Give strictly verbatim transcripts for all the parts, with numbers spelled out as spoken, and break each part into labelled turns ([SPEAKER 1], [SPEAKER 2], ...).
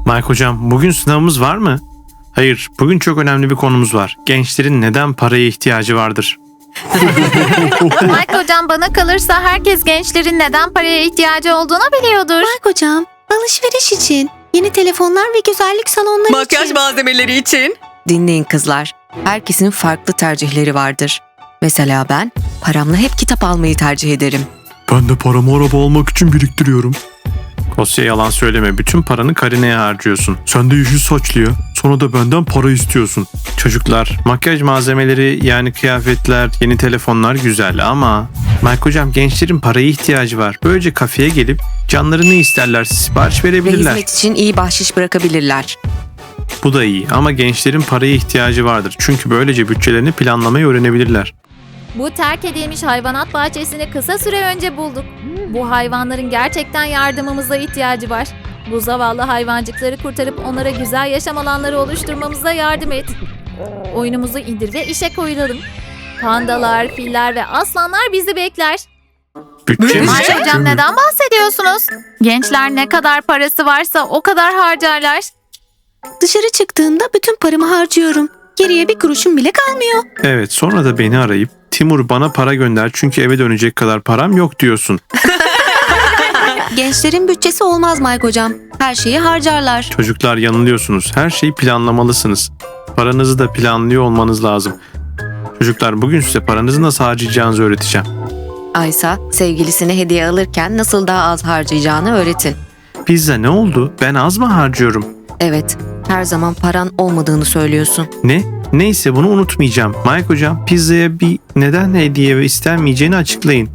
[SPEAKER 1] Mike hocam, bugün sınavımız var mı? Hayır, bugün çok önemli bir konumuz var. Gençlerin neden paraya ihtiyacı vardır?
[SPEAKER 2] Mike hocam, bana kalırsa herkes gençlerin neden paraya ihtiyacı olduğunu biliyordur.
[SPEAKER 3] Mike hocam, alışveriş için, yeni telefonlar ve güzellik salonları
[SPEAKER 4] Makyaj
[SPEAKER 3] için.
[SPEAKER 4] malzemeleri için. Dinleyin kızlar. Herkesin farklı tercihleri vardır. Mesela ben paramla hep kitap almayı tercih ederim.
[SPEAKER 5] Ben de paramı araba almak için biriktiriyorum.
[SPEAKER 1] Kosya, yalan söyleme. Bütün paranı Karine'ye harcıyorsun.
[SPEAKER 5] Sen de yeşil saçlıya, sonra da benden para istiyorsun.
[SPEAKER 1] Çocuklar, makyaj malzemeleri yani kıyafetler, yeni telefonlar güzel ama... Mike hocam, gençlerin paraya ihtiyacı var. Böylece kafeye gelip canları ne isterlerse sipariş
[SPEAKER 4] Ve
[SPEAKER 1] verebilirler.
[SPEAKER 4] hizmet için iyi bahşiş bırakabilirler.
[SPEAKER 1] Bu da iyi ama gençlerin paraya ihtiyacı vardır. Çünkü böylece bütçelerini planlamayı öğrenebilirler.
[SPEAKER 2] Bu terk edilmiş hayvanat bahçesini kısa süre önce bulduk. Bu hayvanların gerçekten yardımımıza ihtiyacı var. Bu zavallı hayvancıkları kurtarıp onlara güzel yaşam alanları oluşturmamıza yardım et. Oyunumuzu indir ve işe koyulalım. Pandalar, filler ve aslanlar bizi bekler.
[SPEAKER 1] Bütçe mi?
[SPEAKER 2] Mike hocam, neden bahsediyorsunuz? Gençler ne kadar parası varsa o kadar harcarlar.
[SPEAKER 3] Dışarı çıktığımda bütün paramı harcıyorum. Geriye bir kuruşum bile kalmıyor.
[SPEAKER 1] Evet, sonra da beni arayıp Timur bana para gönder çünkü eve dönecek kadar param yok diyorsun.
[SPEAKER 3] Gençlerin bütçesi olmaz Mike hocam. Her şeyi harcarlar.
[SPEAKER 1] Çocuklar, yanılıyorsunuz. Her şeyi planlamalısınız. Paranızı da planlıyor olmanız lazım. Çocuklar, bugün size paranızı nasıl harcayacağınızı öğreteceğim.
[SPEAKER 4] Aysa sevgilisine hediye alırken nasıl daha az harcayacağını öğretin.
[SPEAKER 1] Pizza ne oldu? Ben az mı harcıyorum?
[SPEAKER 4] Evet, her zaman paran olmadığını söylüyorsun.
[SPEAKER 1] Ne? Neyse, bunu unutmayacağım. Mike hocam, pizzaya bir neden hediye istenmeyeceğini açıklayın.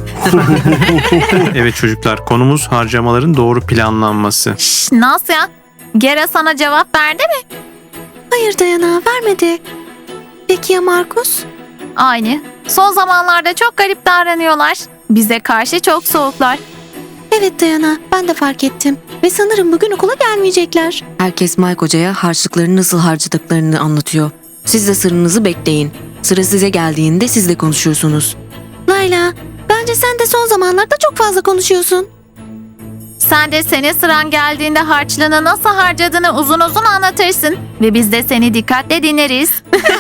[SPEAKER 1] Evet çocuklar, konumuz harcamaların doğru planlanması.
[SPEAKER 2] Şşş, Nasya, Gera sana cevap verdi mi?
[SPEAKER 3] Hayır Dayana, vermedi. Peki ya Markus?
[SPEAKER 2] Aynı. Son zamanlarda çok garip davranıyorlar. Bize karşı çok soğuklar.
[SPEAKER 3] Evet Dayana, ben de fark ettim. Ve sanırım bugün okula gelmeyecekler.
[SPEAKER 4] Herkes Mike Hoca'ya harçlıklarını nasıl harcadıklarını anlatıyor. Siz de sırrınızı bekleyin. Sıra size geldiğinde siz de konuşursunuz.
[SPEAKER 3] Layla, bence sen de son zamanlarda çok fazla konuşuyorsun.
[SPEAKER 2] Sen de senin sıran geldiğinde harçlığını nasıl harcadığını uzun uzun anlatırsın. Ve biz de seni dikkatle dinleriz.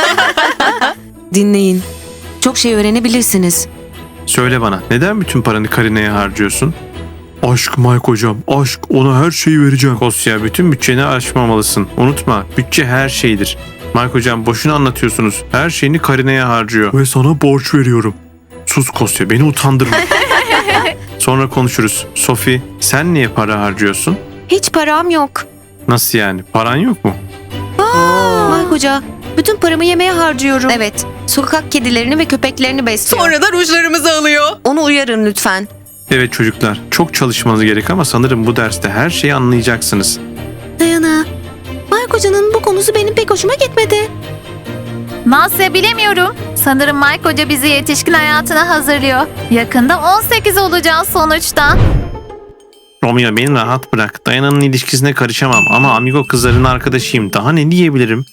[SPEAKER 4] Dinleyin. Çok şey öğrenebilirsiniz.
[SPEAKER 1] Söyle bana, neden bütün paranı Karine'ye harcıyorsun?
[SPEAKER 5] Aşk Mike hocam, aşk, ona her şeyi vereceğim.
[SPEAKER 1] Kosya, bütün bütçeni aşmamalısın. Unutma, bütçe her şeydir. Mike hocam, boşuna anlatıyorsunuz. Her şeyini Karine'ye harcıyor.
[SPEAKER 5] Ve sana borç veriyorum.
[SPEAKER 1] Sus Kosya, beni utandırma. Sonra konuşuruz. Sophie, sen niye para harcıyorsun?
[SPEAKER 3] Hiç param yok.
[SPEAKER 1] Nasıl yani? Paran yok mu?
[SPEAKER 3] Mike hoca, bütün paramı yemeğe harcıyorum.
[SPEAKER 4] Evet, sokak kedilerini ve köpeklerini besliyor.
[SPEAKER 6] Sonra da rujlarımızı alıyor.
[SPEAKER 4] Onu uyarın lütfen.
[SPEAKER 1] Evet çocuklar, çok çalışmanız gerek ama sanırım bu derste her şeyi anlayacaksınız.
[SPEAKER 3] Dayana, Mike hocanın bu konusu benim pek hoşuma gitmedi.
[SPEAKER 2] Nasya, bilemiyorum. Sanırım Mike Hoca bizi yetişkin hayatına hazırlıyor. Yakında on sekiz olacağız sonuçta.
[SPEAKER 1] Romeo, beni rahat bırak. Dayana'nın ilişkisine karışamam ama amigo kızların arkadaşıyım. Daha ne diyebilirim?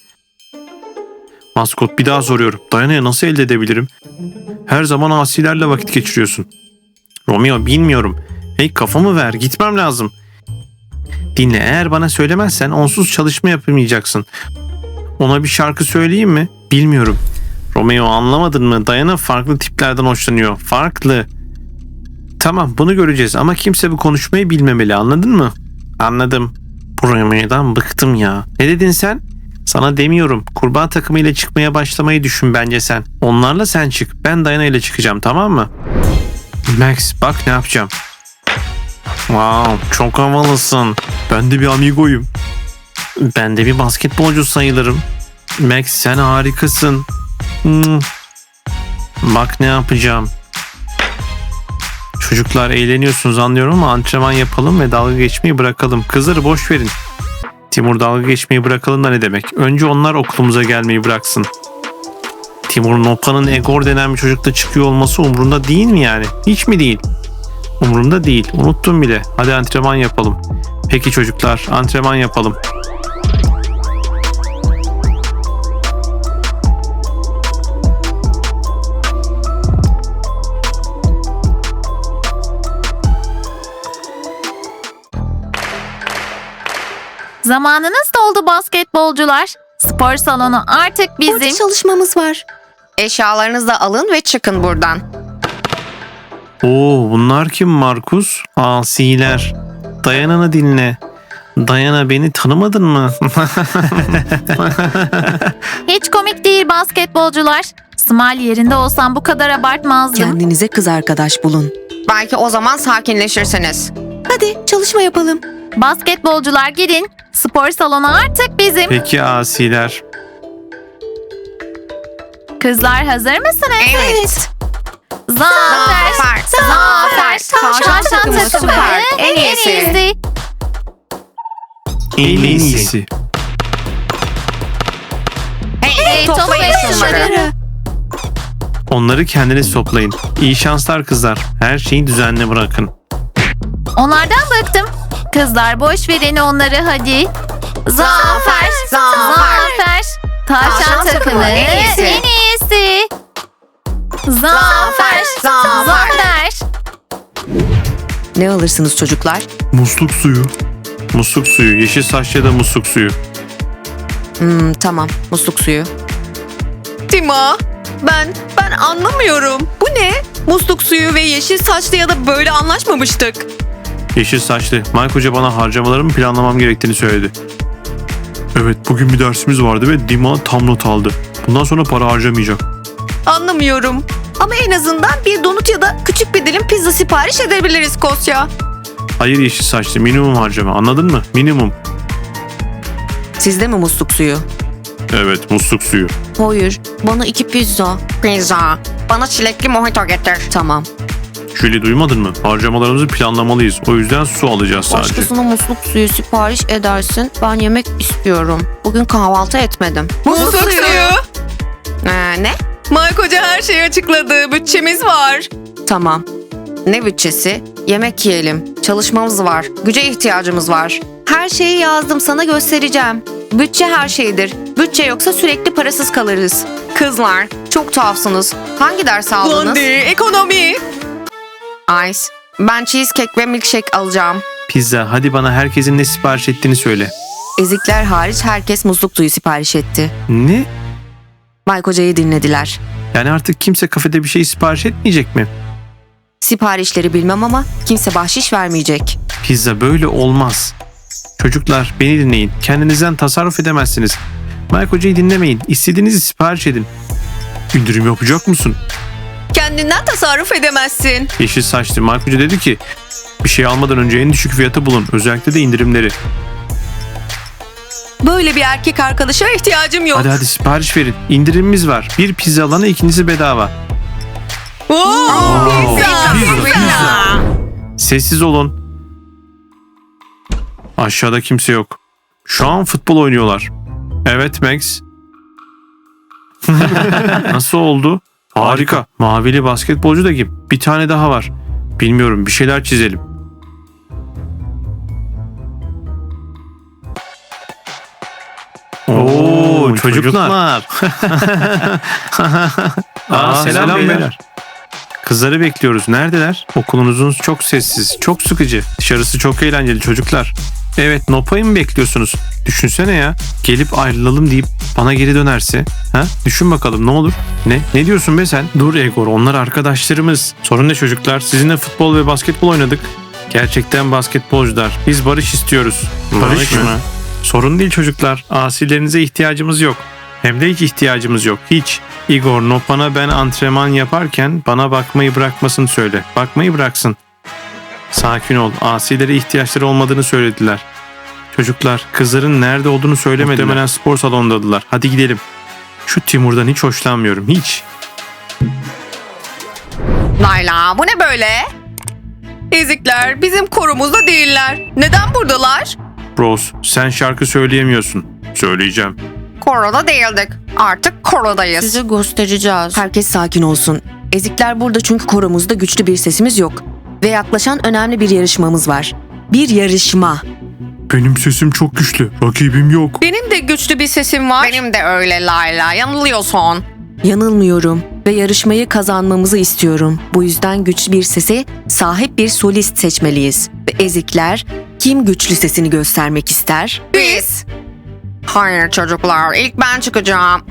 [SPEAKER 1] Maskot, bir daha soruyorum. Dayana'yı nasıl elde edebilirim? Her zaman asilerle vakit geçiriyorsun. Romeo, bilmiyorum. Hey, kafamı ver, gitmem lazım. Dinle, eğer bana söylemezsen onsuz çalışma yapamayacaksın. Ona bir şarkı söyleyeyim mi? Bilmiyorum. Romeo, anlamadın mı? Dayana farklı tiplerden hoşlanıyor. Farklı. Tamam, bunu göreceğiz ama kimse bu konuşmayı bilmemeli, anladın mı? Anladım. Bu Romeo'dan bıktım ya. Ne dedin sen? Sana demiyorum. Kurbağa takımıyla çıkmaya başlamayı düşün bence sen. Onlarla sen çık. Ben Dayana ile çıkacağım, tamam mı? Max, bak ne yapacağım. Wow, çok havalısın.
[SPEAKER 5] Ben de bir amigoyum.
[SPEAKER 1] Ben de bir basketbolcu sayılırım. Max, sen harikasın. Hmm. Bak ne yapacağım. Çocuklar, eğleniyorsunuz anlıyorum ama antrenman yapalım ve dalga geçmeyi bırakalım. Kızları boş verin. Timur, dalga geçmeyi bırakalım da ne demek? Önce onlar okulumuza gelmeyi bıraksın. Timur, Nopa'nın Egor denen bir çocukla çıkıyor olması umurunda değil mi yani? Hiç mi değil? Umurumda değil. Unuttum bile. Hadi antrenman yapalım. Peki çocuklar, antrenman yapalım.
[SPEAKER 2] Zamanınız doldu basketbolcular. Spor salonu artık
[SPEAKER 3] Burada
[SPEAKER 2] bizim.
[SPEAKER 3] çalışmamız var.
[SPEAKER 4] Eşyalarınızı da alın ve çıkın buradan.
[SPEAKER 1] Oo, bunlar kim Markus? Asiler. Dayana'nı dinle. Dayana, beni tanımadın mı?
[SPEAKER 2] Hiç komik değil basketbolcular. Smile yerinde olsam bu kadar abartmazdım.
[SPEAKER 4] Kendinize kız arkadaş bulun. Belki o zaman sakinleşirsiniz.
[SPEAKER 3] Hadi çalışma yapalım.
[SPEAKER 2] Basketbolcular gidin. Spor salonu artık bizim.
[SPEAKER 1] Peki asiler.
[SPEAKER 2] Kızlar hazır mısınız?
[SPEAKER 4] Evet.
[SPEAKER 2] Zafer. Zafer. Tavşan takımı süper. En iyisi.
[SPEAKER 1] En iyisi.
[SPEAKER 2] Hey, toplayın şunları.
[SPEAKER 1] Onları kendiniz toplayın. İyi şanslar kızlar. Her şeyi düzenli bırakın.
[SPEAKER 2] Onlardan bıktım. Kızlar boş verin onları hadi. Zafer. Zafer. Tavşan takımı en iyisi. En iyisi. Zafer. Zafer.
[SPEAKER 4] Ne alırsınız çocuklar?
[SPEAKER 5] Musluk suyu.
[SPEAKER 1] Musluk suyu. Yeşil saçlı ya da musluk suyu.
[SPEAKER 4] Hmm, tamam, musluk suyu.
[SPEAKER 6] Tima, ben ben anlamıyorum. Bu ne? Musluk suyu ve yeşil saçlı ya da böyle anlaşmamıştık.
[SPEAKER 1] Yeşil saçlı. Mike Hoca bana harcamalarımı planlamam gerektiğini söyledi.
[SPEAKER 5] Evet, bugün bir dersimiz vardı ve Dima tam not aldı. Bundan sonra para harcamayacak.
[SPEAKER 6] Anlamıyorum. Ama en azından bir donut ya da küçük bir dilim pizza sipariş edebiliriz Kosya.
[SPEAKER 1] Hayır yeşil saçlı. Minimum harcama. Anladın mı? Minimum.
[SPEAKER 4] Sizde mi musluk suyu?
[SPEAKER 1] Evet, musluk suyu.
[SPEAKER 4] Hayır, bana iki pizza. Pizza. Bana çilekli mojito getir. Tamam.
[SPEAKER 1] Julie, duymadın mı? Harcamalarımızı planlamalıyız. O yüzden su alacağız sadece.
[SPEAKER 4] Başkasına musluk suyu sipariş edersin. Ben yemek istiyorum. Bugün kahvaltı etmedim.
[SPEAKER 6] Musluk suyu.
[SPEAKER 4] Ee, ne?
[SPEAKER 6] Mike Hoca her şeyi açıkladı. Bütçemiz var.
[SPEAKER 4] Tamam. Ne bütçesi? Yemek yiyelim. Çalışmamız var. Güce ihtiyacımız var. Her şeyi yazdım, sana göstereceğim. Bütçe her şeydir. Bütçe yoksa sürekli parasız kalırız. Kızlar, çok tuhafsınız. Hangi ders aldınız?
[SPEAKER 6] Blondie, ekonomi.
[SPEAKER 4] Ice. Ben cheesecake ve milkshake alacağım.
[SPEAKER 1] Pizza. Hadi bana herkesin ne sipariş ettiğini söyle.
[SPEAKER 4] Ezikler hariç herkes musluk suyu sipariş etti.
[SPEAKER 1] Ne?
[SPEAKER 4] Mike Hoca'yı dinlediler.
[SPEAKER 1] Yani artık kimse kafede bir şey sipariş etmeyecek mi?
[SPEAKER 4] Siparişleri bilmem ama kimse bahşiş vermeyecek.
[SPEAKER 1] Pizza böyle olmaz. Çocuklar beni dinleyin. Kendinizden tasarruf edemezsiniz. Mike Hoca'yı dinlemeyin. İstediğinizi sipariş edin.
[SPEAKER 5] İndirim yapacak mısın?
[SPEAKER 6] Kendinden tasarruf edemezsin.
[SPEAKER 1] Yeşil saçlı Mike Hoca dedi ki bir şey almadan önce en düşük fiyatı bulun. Özellikle de indirimleri.
[SPEAKER 6] Böyle bir erkek arkadaşa ihtiyacım yok.
[SPEAKER 1] Hadi hadi sipariş verin. İndirimimiz var. Bir pizza alana ikincisi bedava.
[SPEAKER 6] Oo, pizza,
[SPEAKER 1] pizza,
[SPEAKER 6] pizza.
[SPEAKER 1] Sessiz olun. Aşağıda kimse yok. Şu an futbol oynuyorlar. Evet Max. Nasıl oldu? Harika. Mavili basketbolcu da kim? Bir tane daha var. Bilmiyorum, bir şeyler çizelim. Oo, çocuklar. Aa, selam,
[SPEAKER 5] selam
[SPEAKER 1] beyler.
[SPEAKER 5] beyler.
[SPEAKER 1] Kızları bekliyoruz. Neredeler? Okulunuzun çok sessiz, çok sıkıcı. Dışarısı çok eğlenceli çocuklar. Evet, Nopa'yı mı bekliyorsunuz? Düşünsene ya. Gelip ayrılalım deyip bana geri dönerse. Ha? Düşün bakalım ne olur? Ne? Ne diyorsun be sen? Dur Egor, onlar arkadaşlarımız. Sorun ne çocuklar? Sizinle futbol ve basketbol oynadık. Gerçekten basketbolcular. Biz barış istiyoruz.
[SPEAKER 5] Barış mı?
[SPEAKER 1] Sorun değil çocuklar. Asilerinize ihtiyacımız yok. Hem de hiç ihtiyacımız yok. Hiç. Igor, Nopan'a ben antrenman yaparken bana bakmayı bırakmasını söyle. Bakmayı bıraksın. Sakin ol. Asilere ihtiyaçları olmadığını söylediler. Çocuklar, kızların nerede olduğunu söylemediler. Muhtemelen spor salonundadılar. Hadi gidelim. Şu Timur'dan hiç hoşlanmıyorum. Hiç.
[SPEAKER 6] Layla, bu ne böyle? Ezikler bizim korumuzda değiller. Neden buradalar?
[SPEAKER 1] Rose, sen şarkı söyleyemiyorsun. Söyleyeceğim.
[SPEAKER 6] Koroda değildik. Artık korodayız.
[SPEAKER 4] Size göstereceğiz. Herkes sakin olsun. Ezikler burada çünkü koromuzda güçlü bir sesimiz yok. Ve yaklaşan önemli bir yarışmamız var. Bir yarışma.
[SPEAKER 5] Benim sesim çok güçlü. Rakibim yok.
[SPEAKER 6] Benim de güçlü bir sesim var.
[SPEAKER 4] Benim de öyle Layla. Yanılıyorsun. Yanılmıyorum ve yarışmayı kazanmamızı istiyorum. Bu yüzden güçlü bir sese sahip bir solist seçmeliyiz. Ve ezikler kim güçlü sesini göstermek ister?
[SPEAKER 6] Biz. Hayır çocuklar, ilk ben çıkacağım.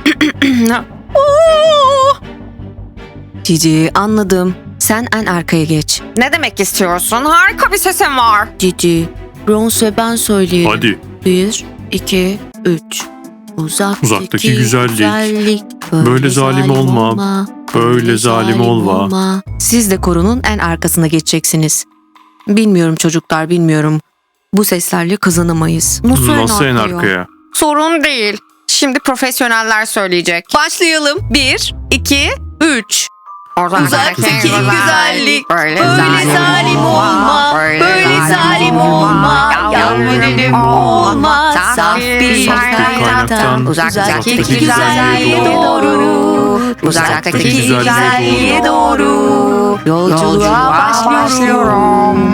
[SPEAKER 4] Cici, anladım. Sen en arkaya geç.
[SPEAKER 6] Ne demek istiyorsun? Harika bir sesim var.
[SPEAKER 4] Cici, Bronze ve ben söyleyelim.
[SPEAKER 5] Hadi.
[SPEAKER 4] Bir, iki, üç. Uzaktaki,
[SPEAKER 5] Uzaktaki güzellik.
[SPEAKER 4] güzellik.
[SPEAKER 5] Böyle zalim olma. Böyle zalim olma.
[SPEAKER 4] Siz de korunun en arkasına geçeceksiniz. Bilmiyorum çocuklar, bilmiyorum. Bu seslerle kazanamayız. Nasıl,
[SPEAKER 5] Nasıl en
[SPEAKER 4] arkaya?
[SPEAKER 5] arkaya?
[SPEAKER 6] Sorun değil. Şimdi profesyoneller söyleyecek. Başlayalım. Bir, iki, üç.
[SPEAKER 4] Uzaktaki
[SPEAKER 6] güzellik,
[SPEAKER 4] böyle
[SPEAKER 6] zalim olma, böyle zalim olma, yalvarırım olma, saf bir
[SPEAKER 5] kaynaktan
[SPEAKER 6] uzaktaki
[SPEAKER 5] uzaktaki
[SPEAKER 6] güzelliğe
[SPEAKER 5] güzelliğe
[SPEAKER 6] doğru, uzaktaki
[SPEAKER 5] güzelliğe
[SPEAKER 6] güzelliğe doğru,
[SPEAKER 4] Yolculuğa
[SPEAKER 6] başlıyorum.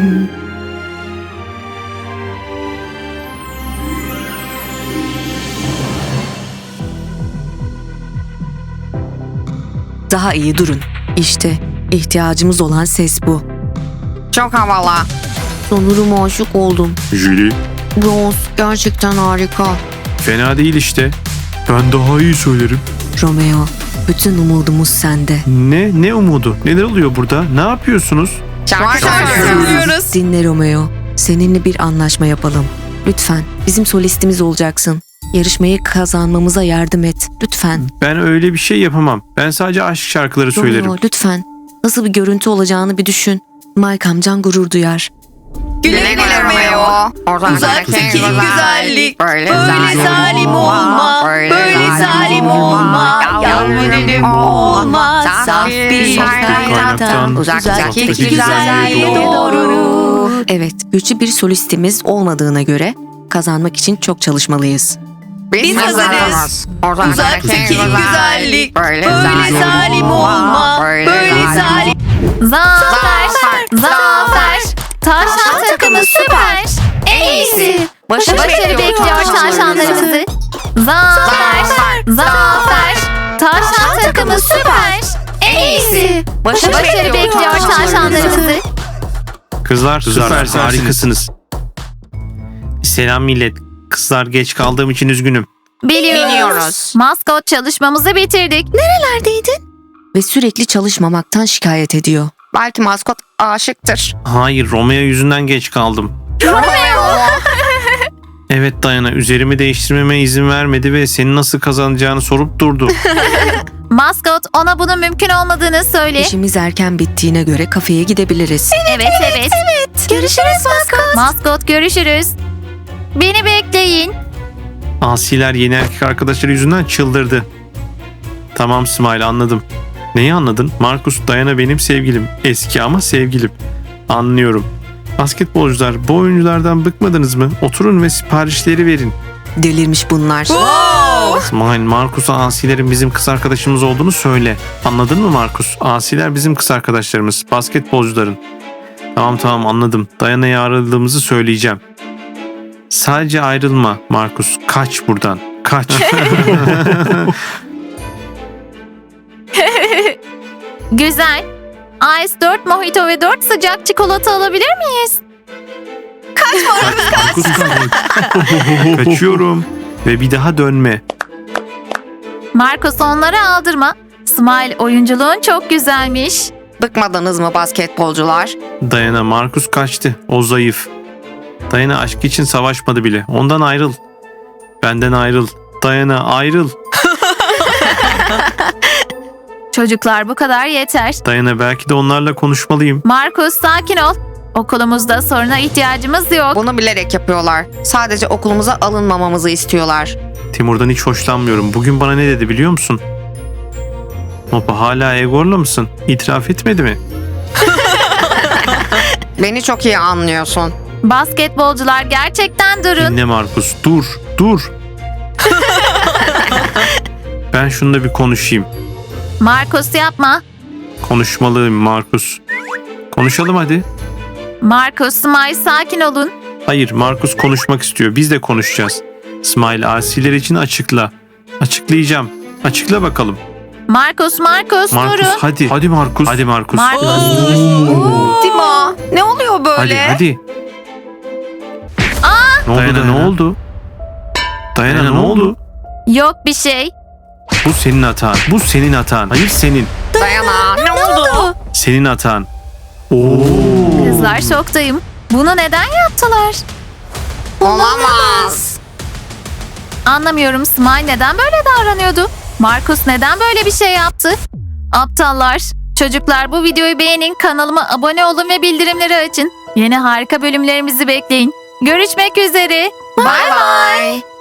[SPEAKER 4] Daha iyi durun. İşte ihtiyacımız olan ses bu.
[SPEAKER 6] Çok havalı.
[SPEAKER 4] Sanırım aşık oldum.
[SPEAKER 5] Julie,
[SPEAKER 4] Bronze gerçekten harika.
[SPEAKER 5] fena değil işte. Ben daha iyi söylerim.
[SPEAKER 4] Romeo, bütün umudumuz sende.
[SPEAKER 1] Ne? Ne umudu? Neler oluyor burada? Ne yapıyorsunuz?
[SPEAKER 6] Şarkı
[SPEAKER 5] Şarkı
[SPEAKER 6] söylüyoruz.
[SPEAKER 4] Dinle Romeo. Seninle bir anlaşma yapalım. Lütfen bizim solistimiz olacaksın. Yarışmayı kazanmamıza yardım et. Lütfen.
[SPEAKER 1] Ben öyle bir şey yapamam. Ben sadece aşk şarkıları söylerim.
[SPEAKER 4] Romeo lütfen. Nasıl bir görüntü olacağını bir düşün. Mike amcan gurur duyar.
[SPEAKER 6] Güle güle Romeo. Uzaktaki güzellik, böyle zalim olma, böyle zalim olma, yalvarırım olma, saf bir kaynaktan uzaktaki güzelliğe doğru.
[SPEAKER 4] Evet, güçlü bir solistimiz olmadığına göre kazanmak için çok çalışmalıyız.
[SPEAKER 6] Biz hazırız. Uzaktaki güzellik, böyle zalim olma, böyle zalim.
[SPEAKER 2] Zafer! Zafer! Tavşan takımı süper! En iyisi! Başarı bekliyor tavşanlarımızı. Zafer! Zafer! Tavşan takımı süper! En iyisi! Başarı bekliyor tavşanlarımızı.
[SPEAKER 1] Kızlar,
[SPEAKER 5] Kızlar,
[SPEAKER 1] süper,
[SPEAKER 5] süpersiniz.
[SPEAKER 1] harikasınız. Selam millet. Kızlar geç kaldığım için üzgünüm.
[SPEAKER 2] Biliyoruz. Maskot çalışmamızı bitirdik.
[SPEAKER 3] Nerelerdeydin?
[SPEAKER 4] Ve sürekli çalışmamaktan şikayet ediyor.
[SPEAKER 6] Belki maskot aşıktır.
[SPEAKER 1] Hayır, Romeo yüzünden geç kaldım. Evet Dayana, üzerimi değiştirmeme izin vermedi ve seni nasıl kazanacağını sorup durdu.
[SPEAKER 2] Maskot ona bunun mümkün olmadığını söyle.
[SPEAKER 4] İşimiz erken bittiğine göre kafeye gidebiliriz.
[SPEAKER 2] Evet evet.
[SPEAKER 3] Görüşürüz maskot.
[SPEAKER 2] Maskot görüşürüz. Beni bekleyin.
[SPEAKER 1] Asiler yeni erkek arkadaşları yüzünden çıldırdı. Tamam Smile, anladım. Neyi anladın? Marcus, Dayana benim sevgilim. Eski ama sevgilim. Anlıyorum. Basketbolcular, bu oyunculardan bıkmadınız mı? Oturun ve siparişleri verin.
[SPEAKER 4] Delirmiş bunlar.
[SPEAKER 1] Smile, Marcus'a asilerin bizim kız arkadaşımız olduğunu söyle. Anladın mı Marcus? Asiler bizim kız arkadaşlarımız. Basketbolcuların. Tamam tamam anladım. Dayana'ya ayrıldığımızı söyleyeceğim. Sadece ayrılma Marcus. Kaç buradan. Kaç.
[SPEAKER 2] Güzel. Ice dört mojito ve dört sıcak çikolata alabilir miyiz?
[SPEAKER 1] Marcus kaç. Kaçıyorum. Ve bir daha dönme.
[SPEAKER 2] Marcos onları aldırma. Smile, oyunculuğun çok güzelmiş.
[SPEAKER 6] Bıkmadınız mı basketbolcular?
[SPEAKER 1] Dayana, Marcus kaçtı. O zayıf. Dayana aşk için savaşmadı bile. Ondan ayrıl. Benden ayrıl. Dayana ayrıl.
[SPEAKER 2] Çocuklar bu kadar yeter.
[SPEAKER 1] Dayana, belki de onlarla konuşmalıyım.
[SPEAKER 2] Marcos sakin ol. Okulumuzda soruna ihtiyacımız yok.
[SPEAKER 6] Bunu bilerek yapıyorlar. Sadece okulumuza alınmamamızı istiyorlar.
[SPEAKER 1] Timur'dan hiç hoşlanmıyorum. Bugün bana ne dedi biliyor musun? Hopa, hala Egor'la mısın? İtiraf etmedi mi?
[SPEAKER 6] Beni çok iyi anlıyorsun.
[SPEAKER 2] Basketbolcular gerçekten durun.
[SPEAKER 1] Dinle Markus. Dur. Dur. Ben şununla bir konuşayım.
[SPEAKER 2] Marcos yapma.
[SPEAKER 1] Konuşmalıyım Markus. Konuşalım hadi.
[SPEAKER 2] Marcos, Smile sakin olun.
[SPEAKER 1] Hayır, Markus konuşmak istiyor. Biz de konuşacağız. Smile, asiler için açıkla. Açıklayacağım. Açıkla bakalım.
[SPEAKER 2] Markus, Markus,
[SPEAKER 1] Markus
[SPEAKER 2] durun.
[SPEAKER 1] hadi. Hadi Markus. Hadi Markus.
[SPEAKER 2] Markus
[SPEAKER 6] Oo.
[SPEAKER 2] dur.
[SPEAKER 6] Dima, ne oluyor böyle?
[SPEAKER 1] Hadi hadi. Ne oldu Dayana, ne oldu? Dayana, ne oldu?
[SPEAKER 2] Yok bir şey.
[SPEAKER 1] Bu senin hatan. Bu senin hatan. Hayır senin.
[SPEAKER 4] Dayana ne oldu?
[SPEAKER 1] Senin hatan. Oo.
[SPEAKER 2] Kızlar şoktayım. Bunu neden yaptılar?
[SPEAKER 4] Olamaz.
[SPEAKER 2] Anlamıyorum, Smile neden böyle davranıyordu? Markus neden böyle bir şey yaptı? Aptallar. Çocuklar, bu videoyu beğenin, kanalıma abone olun ve bildirimleri açın. Yeni harika bölümlerimizi bekleyin. Görüşmek üzere.
[SPEAKER 4] Bye bye.